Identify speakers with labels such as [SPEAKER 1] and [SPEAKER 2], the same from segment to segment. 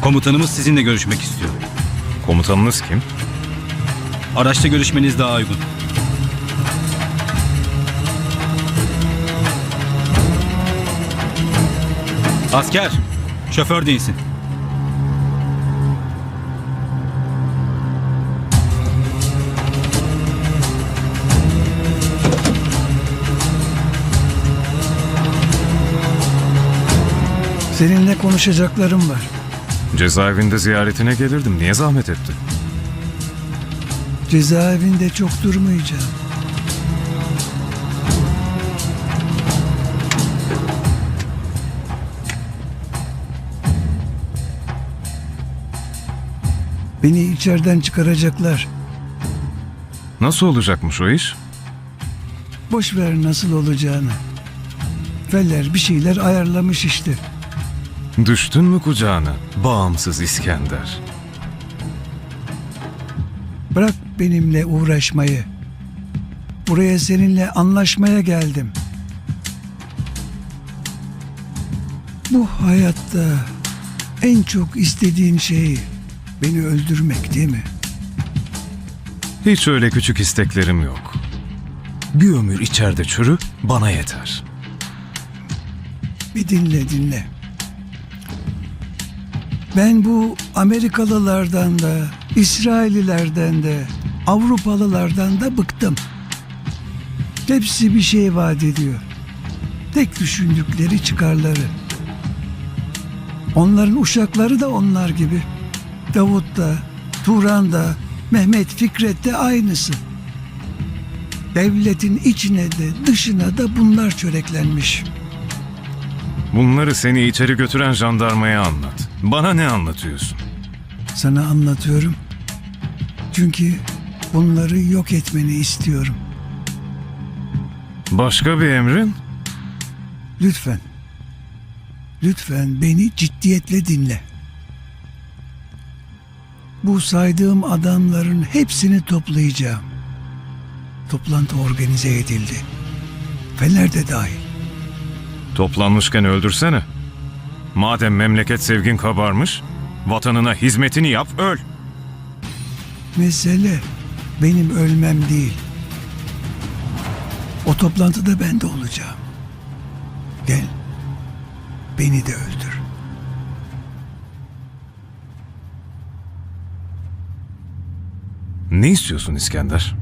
[SPEAKER 1] Komutanımız sizinle görüşmek istiyor.
[SPEAKER 2] Komutanınız kim?
[SPEAKER 1] Araçta görüşmeniz daha uygun. Asker, şoför değilsin.
[SPEAKER 3] Seninle konuşacaklarım var.
[SPEAKER 2] Cezaevinde ziyaretine gelirdim. Niye zahmet etti?
[SPEAKER 3] Cezaevinde çok durmayacağım. Beni içeriden çıkaracaklar.
[SPEAKER 2] Nasıl olacakmış o iş?
[SPEAKER 3] Boş ver nasıl olacağını. Feller bir şeyler ayarlamış işte.
[SPEAKER 2] Düştün mü kucağına? Bağımsız İskender.
[SPEAKER 3] Bırak benimle uğraşmayı. Buraya seninle anlaşmaya geldim. Bu hayatta en çok istediğin şey beni öldürmek değil mi?
[SPEAKER 2] Hiç öyle küçük isteklerim yok. Bir ömür içeride çürü bana yeter.
[SPEAKER 3] Bir dinle. Ben bu Amerikalılardan da, İsraillilerden de, Avrupalılardan da bıktım. Hepsi bir şey vaat ediyor. Tek düşündükleri çıkarları. Onların uşakları da onlar gibi. Davut da, Turan da, Mehmet Fikret de aynısı. Devletin içine de dışına da bunlar çöreklenmiş.
[SPEAKER 2] Bunları seni içeri götüren jandarmaya anlat. Bana ne anlatıyorsun?
[SPEAKER 3] Sana anlatıyorum. Çünkü bunları yok etmeni istiyorum.
[SPEAKER 2] Başka bir emrin?
[SPEAKER 3] Lütfen. Lütfen beni ciddiyetle dinle. Bu saydığım adamların hepsini toplayacağım. Toplantı organize edildi. Fener de dahil.
[SPEAKER 2] Toplanmışken öldürsene. Madem memleket sevgin kabarmış, vatanına hizmetini yap, öl.
[SPEAKER 3] Mesele benim ölmem değil. O toplantıda ben de olacağım. Gel, beni de öldür.
[SPEAKER 2] Ne istiyorsun İskender?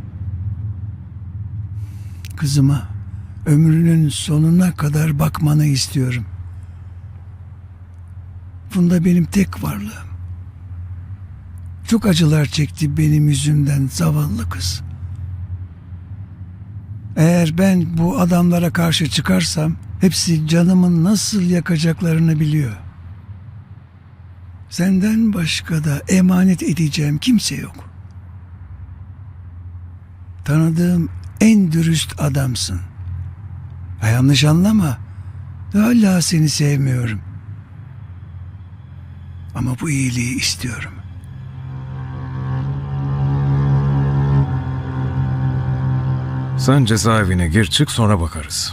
[SPEAKER 3] Kızıma ömrünün sonuna kadar bakmanı istiyorum. Funda benim tek varlığım. Çok acılar çekti benim yüzümden zavallı kız. Eğer ben bu adamlara karşı çıkarsam hepsi canımı nasıl yakacaklarını biliyor. Senden başka da emanet edeceğim kimse yok. Tanıdığım en dürüst adamsın. Ha, yanlış anlama. Hala seni sevmiyorum. Ama bu iyiliği istiyorum.
[SPEAKER 2] Sen cezaevine gir çık sonra bakarız.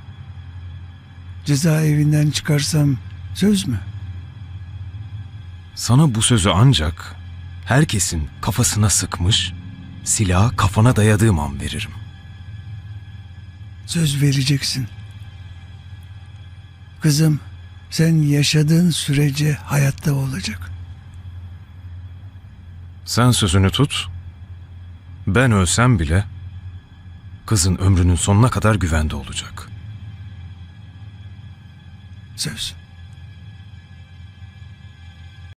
[SPEAKER 3] Cezaevinden çıkarsam söz mü?
[SPEAKER 2] Sana bu sözü ancak herkesin kafasına sıkmış, silahı kafana dayadığım an veririm.
[SPEAKER 3] Söz vereceksin. Kızım, sen yaşadığın sürece hayatta olacak.
[SPEAKER 2] Sen sözünü tut, ben ölsem bile kızın ömrünün sonuna kadar güvende olacak.
[SPEAKER 3] Söz.